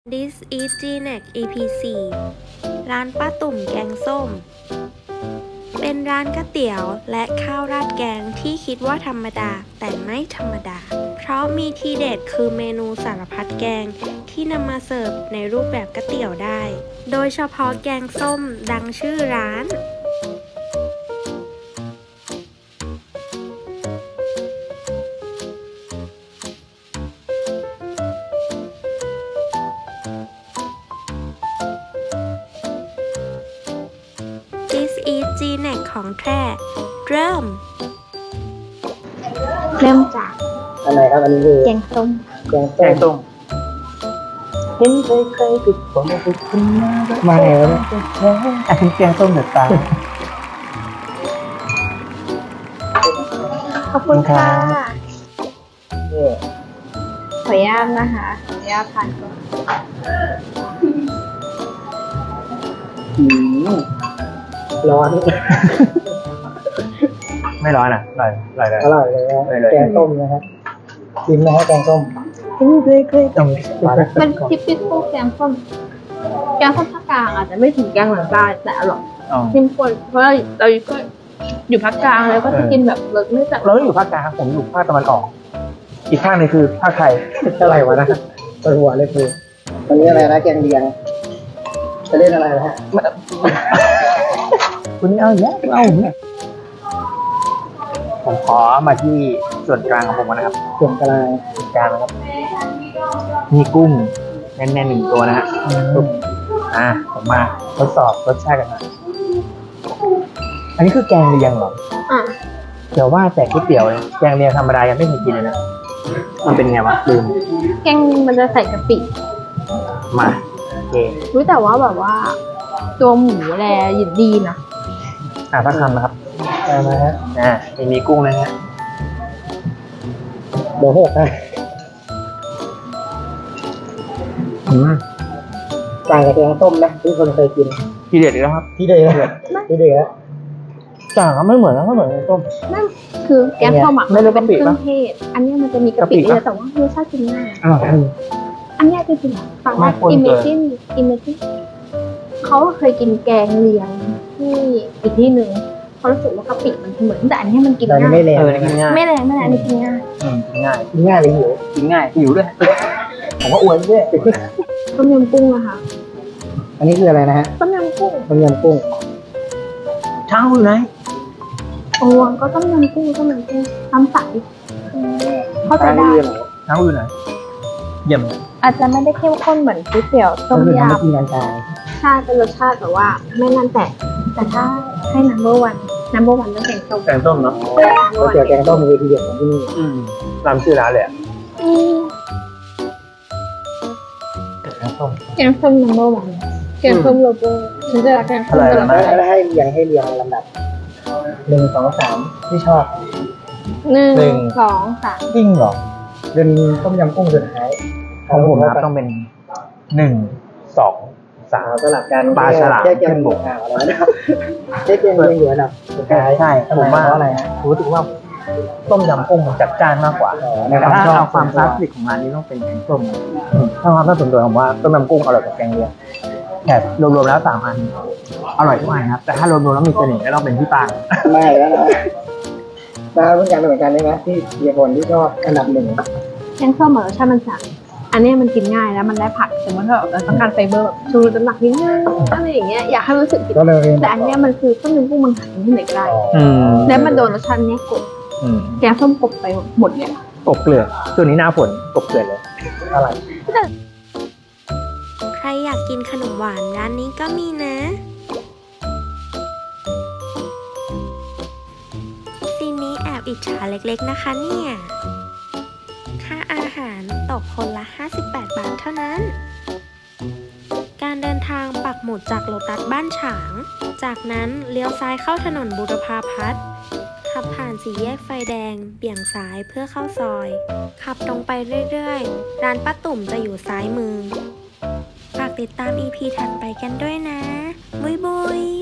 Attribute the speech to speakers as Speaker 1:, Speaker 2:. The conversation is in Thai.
Speaker 1: This is GNEC EP 4ร้านป้าตุ่มแกงส้มเป็นร้านก๋วยเตี๋ยวและข้าวราดแกงที่คิดว่าธรรมดาแต่ไม่ธรรมดาเพราะมีทีเด็ดคือเมนูสารพัดแกงที่นำมาเสิร์ฟในรูปแบบก๋วยเตี๋ยวได้โดยเฉพาะแกงส้มดังชื่อร้านThis is GNEC ของแท้เริ่ม
Speaker 2: จาก
Speaker 3: อะไรครับอันนี้คือ
Speaker 2: แกงส้ม
Speaker 3: แกงส้มเห็นเคยติดผมติดคุณมาแล้วอันนี้แกงส้มเดือดตา
Speaker 2: ขอบคุณค่ะ
Speaker 3: นี่
Speaker 2: ขออนุญาตนะคะขออนุญาตทานก่อน
Speaker 3: ร้อน
Speaker 4: ไม่ร้อนอ่ะอร่อยเลย
Speaker 3: อร่อยเลยนะ
Speaker 4: อร่อยเลย
Speaker 3: แกงส้มนะครับชิมนะฮะแกงส้มเห็นเคย
Speaker 4: ต้อง
Speaker 2: เป็นทิปปิ้งแกงส้มแกงส้มภาคกลางอาจจะไม่ถึงแกงเหนือใต้แต่อร่อย
Speaker 4: อ๋อ
Speaker 2: เข้มข้นเพราะเราก็อยู่ภาคกลางแล้วก็จะกินแบบรสไม่จัด
Speaker 4: เราอยู่ภาคกลางผมอยู่ภาคตะวันออก อีกภาคหนึงคือภาคไทย
Speaker 3: อะไรวะนะปวดหัวเลยคือวันนี้อะไรนะแกงเลียงจะเล่นอะไรนะฮะ
Speaker 4: คุณนี่เอาอย่างเงี้ยเอาอย่างเงี้ยผมขอมาที่ส่วนกลางของผมก่อนนะครับ
Speaker 3: ส่วนกลาง
Speaker 4: ส่วนกลางนะครับ มีกุ้งแน่นๆหนึ่งตัวนะฮะปุ๊บผมมาทดสอบรสชาติกันหน่อยอันนี้คือแกงเลียงเหรอ
Speaker 2: อ่ะ
Speaker 4: เดี๋ยวว่าแต่ก๋วยเตี๋ยวเนี่ยแกงเลียงธรรมดายังไม่เคยกินเลยนะมันเป็นไงวะลืม
Speaker 2: แกงมันจะใส่กะปิ
Speaker 4: มาโอเค
Speaker 2: รู้แต่ว่าแบบว่า ตัวหมูแลยินดีนะ
Speaker 4: สักคำนะครับ
Speaker 3: มาฮะ
Speaker 4: มีกุ้งนะฮะ
Speaker 3: เดี๋ยวหกนะ ต่างกับแกงส้มนะที่คนเคยกิน
Speaker 4: ทีเด็ดอีกแล้วครับ
Speaker 3: ที่เดือดที่เดือด
Speaker 4: ต่างกันไม่เหมือนนะไม่เหมือนแกงส้ม
Speaker 2: นั่นคือแกงส้มอ่ะ
Speaker 4: ไม่
Speaker 2: มัน
Speaker 4: ได้
Speaker 2: จะเป็น
Speaker 4: กะปิ
Speaker 2: เครื่อง
Speaker 4: ปะ
Speaker 2: เทศ อันเนี้ยมันจะมีกะปิ
Speaker 4: กะปิ
Speaker 2: เย
Speaker 4: ปะ
Speaker 2: อะแต่ว่ารสชาติกินง่าย
Speaker 4: อ้าว
Speaker 2: อันเนี้ยจริงๆฟังว่า
Speaker 4: ไม่ควร
Speaker 2: อิมเม
Speaker 4: เกิน
Speaker 2: จินเขาเคยกินแกงเลียงที่อีกที่หนึ่งเขารู้สึกว่ากะปิมันเหมือนแต่อันเนี้ยมันกิน
Speaker 3: แต่
Speaker 2: ง่าย
Speaker 3: ไม่แรง
Speaker 4: กินง่าย
Speaker 2: ไม่แรงอันนี้กินง่าย
Speaker 4: กินง่าย
Speaker 3: กินง่ายเลยหิว
Speaker 4: กินง่ายหิวด้วยผมก็อวยด้วย
Speaker 2: ต้มยำกุ้งอะค่ะ
Speaker 3: อันนี้คืออะไรนะฮะ
Speaker 2: ต้มยำกุ้ง
Speaker 3: ต้มยำกุ้ง
Speaker 4: เช้าอยู่ไหน
Speaker 2: โอ้ก็ต้มยำกุ้งน้ำใสเข้าใจได้
Speaker 4: เช้าอยู่ไหนเยี่ยมเลย
Speaker 2: อาจจะไม่ได้เข้มข้นเหมือนก๋วยเตี๋ยวต้
Speaker 3: ก็
Speaker 2: ม
Speaker 3: คือทำให้
Speaker 2: ยำ
Speaker 3: กินกันตาย
Speaker 2: ชาติเป็นรสชาติแบบว่าไม่นั่นแต่ถ้าให้number one ต้องเป็นต้ม
Speaker 4: แกงส้มเนาะ
Speaker 3: ก๋วยเตี๋ยวแกงส้มมีทีเด็ดของที่นี่
Speaker 4: ตามชื่อร้านเลยอะ
Speaker 2: อืม
Speaker 4: แกงส้ม
Speaker 2: แกงส้ม number one แกงส้มโลโก้ฉันจะรักแกงส้ม
Speaker 4: อะไร
Speaker 2: ตลอด
Speaker 4: นะ
Speaker 3: แล้วให้เรียงลำดับ1 2 3ที่ชอบ
Speaker 2: หนึ่งสองสาม
Speaker 4: จริงเหรอ
Speaker 3: เป็นต้มยำกุ้งสุดท้าย
Speaker 4: ของผมนะครับต้องเป็น1 2 3
Speaker 3: สลับกัน
Speaker 4: ปลาฉลาม
Speaker 3: แค่แก
Speaker 4: ขึ้
Speaker 3: ง
Speaker 4: น
Speaker 3: บบ ก
Speaker 4: ก
Speaker 3: ข่าวแล้วนะครับแค่แกงเลียงอยู่อันดับสุดท้าย
Speaker 4: ใช่
Speaker 3: ทำไ
Speaker 4: ผมว่า
Speaker 3: เพราะอะไรฮะ
Speaker 4: รู้สึกว่าต้มยำกุ้งมันจัดจ้านมากกว่า
Speaker 3: ใน
Speaker 4: แต่
Speaker 3: ความ
Speaker 4: ถ้า
Speaker 3: ชอบ
Speaker 4: เอาความคลาสสิกของร้านนี้ต้องเป็นแกงส้มถ้าความน่าสนใจผมว่าต้มยำกุ้งอร่อยกว่าแกงเลียงแต่รวมๆแล้ว3 อันอร่อยทุกอันครับแต่ถ้ารวมๆแล้วมีเสน่ห์ก็ต้องเป็นที่ปาง
Speaker 3: ไม่แล้วนะปลาเหมือนกันใช่ไหมที่เฮียพลที่ชอบอันดับ 1
Speaker 2: แกงส้มรสชาติมันจัดอันเนี้ยมันกินง่ายแล้วมันได้ผักแต่ว่าถ้าเราต้องการไฟเบอร์แบบชูรสน้ำหนักนิดนึงอะไรอย่างเงี้ยอยากให้มันรู้สึกกิน
Speaker 3: ก็เลย
Speaker 2: แต่อันเนี้ยมันคือต้มยำกุ้งมันหาที่ไหนก็ได้แล้วมันโดนรสชาติเนี้ยกดแกงส้มกบไปหมดเลยอะ
Speaker 4: กบเกลือช่วงนี้หน้าฝนกบเกลือเลย
Speaker 3: อะไร
Speaker 1: ใครอยากกินขนมหวานร้านนี้ก็มีนะซีนนี้แอบอิจฉาเล็กๆนะคะเนี่ย ค่าอาหารตกคนละ58 บาทเท่านั้น การเดินทางปักหมุดจากโลตัสบ้านฉาง จากนั้นเลี้ยวซ้ายเข้าถนนบูรพาพัฒน์ขับผ่านสี่แยกไฟแดงเบี่ยงซ้ายเพื่อเข้าซอย ขับตรงไปเรื่อยๆ ร้านป้าตุ่มจะอยู่ซ้ายมือ ฝากติดตาม EP ถัดไปกันด้วยนะ บุยบุย